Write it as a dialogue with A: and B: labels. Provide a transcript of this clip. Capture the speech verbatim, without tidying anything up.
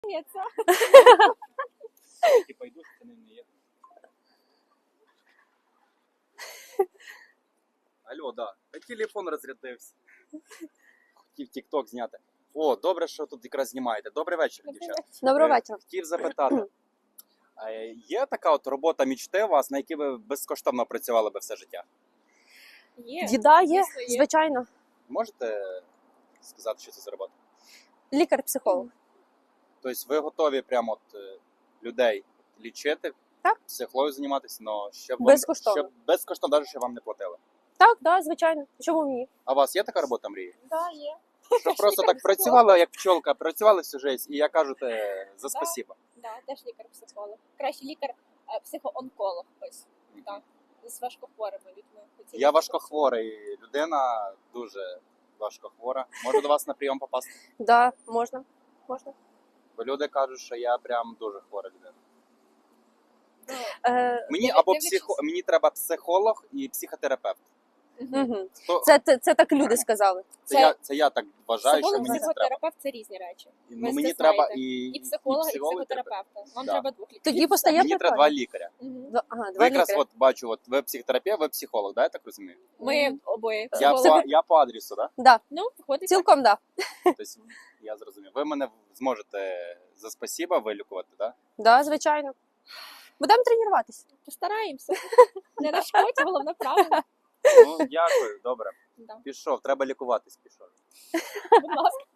A: Типа йду, це не є. Алло, да. Та телефон розрядився. Хотів тік-ток зняти. О, добре, що тут якраз знімаєте. Добрий вечір, дівчата.
B: Доброго
A: Е,
B: вечора.
A: Хотів запитати. е, Є така от робота мічти у вас, на якій ви безкоштовно працювали би все життя?
C: Є.
B: Діда є,
C: Звісно, є.
B: звичайно.
A: Можете сказати, що це за робота?
B: Лікар-психолог.
A: Тобто ви готові прямо от е, людей лічити,
B: Так.
A: психологію займатися, але щоб вам,
B: Безкоштовно.
A: щоб безкоштовно, навіть щоб вам не платили.
B: Так, так, звичайно. Чому ні?
A: А у вас є така робота, мрії?
C: Да, є.
A: Що просто так працювали, як пчолка, працювали всю життя, і я кажу те за спасибо.
C: Да, теж лікар-психолог. Краще лікар-психоонколог. Ось так. З важкохворими людьми. Хотіла
A: Я
C: б
A: важкохворий людина, дуже важкохвора. Можу до вас на прийом попасти?
B: Да, можна. Можна.
A: Бо люди кажуть, що я прям дуже хвора людина.
C: працювати.
B: Е,
A: Мені
C: Дивлячись-
A: або психо... мені треба психолог і психотерапевт.
C: Мгм.
B: угу.
A: Хто...
B: Це, це, це так люди сказали.
A: Це,
C: це-
A: я, це я так вважаю, що
C: Психолог,
A: мені це треба.
C: психотерапевт це різні речі.
A: Ну,
C: ви
A: мені
C: це
A: треба
C: знаєте.
A: і,
C: І психолога, і
A: психолог,
C: психотерапевта. Вам
A: Да.
C: треба двох лікарів.
B: Тоді постає
A: Мені треба
B: прикольно.
A: два лікаря.
C: Мгм.
B: Два- Ага,
A: Ви
B: два
A: якраз
B: лікаря.
A: от бачу, от ви психотерапевт, ви психолог, да, я так розумію?
C: Ми обоє
A: Я
C: психологи.
A: по, я по адресу, да?
B: Да,
C: Ну, виходить.
B: цілком да.
A: Тобто, я зрозумів. Ви мене зможете за спасіба вилікувати, да?
B: Да, звичайно. Будемо тренуватися.
C: Постараємося. Не нашкодь, головне правильно.
A: Ну, дякую, добре.
C: Да.
A: Пішов, треба лікуватись, пішов.
C: Будь ласка.